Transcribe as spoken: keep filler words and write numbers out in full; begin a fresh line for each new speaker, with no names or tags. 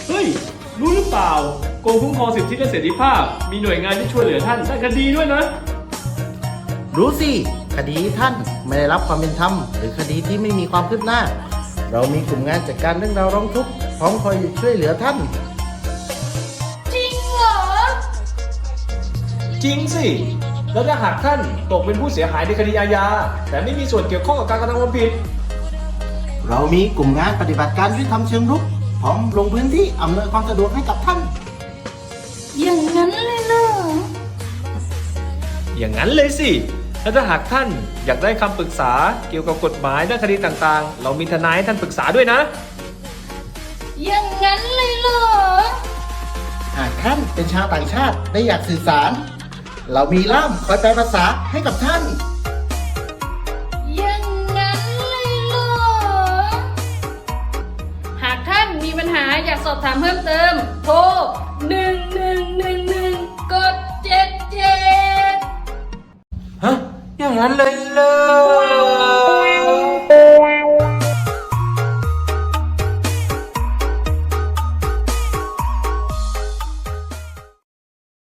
เฮ้ยรู้หรือเปล่ากรมคุ้มครองสิทธิและเสรีภาพมีหน่วยงานที่ช่วยเหลือท่านด้านคดีด้วยนะ
รู้สิคดีท่านไม่ได้รับความเป็นธรรมหรือคดีที่ไม่มีความคืบหน้า เรามีกลุ่มงานจัดการเรื่องราวร้องทุกข์พร้อมคอยช่วยเหลือท่าน
จริงเหรอ
จริงสิแล้วถ้าหากท่านตกเป็นผู้เสียหายในคดีอาญาแต่ไม่มีส่วนเกี่ยวข้องกับการกระทำความผิด
เรามีกลุ่มงานปฏิบัติการยุติธรรมเชิงรุกพร้อมลงพื้นที่อำนวยความสะดวกให้กับท่าน
อย่างนั้นเลยเหรอ
อย่างนั้นเลยสิแล้วถ้าหากท่านอยากได้คำปรึกษาเกี่ยวกับกฎหมายด้านคดีต่างๆ เรามีทนายให้ท่านปรึกษาด้วยนะ
อย่างนั้นเลยเหรอ
หากท่านเป็นชาวต่างชาติและอยากสื่อสาร เรามีล่ามคอยแปลภาษาให้กับท่าน
อย่างนั้นเลยเหรอ หากท่านมีปัญหาอยากสอบถามเพิ่มเติม โทร หนึ่ง หนึ่ง หนึ่ง หนึ่ง กด เจ็ด เจ็ด
ฮะ อย่างนั้นเลยเลย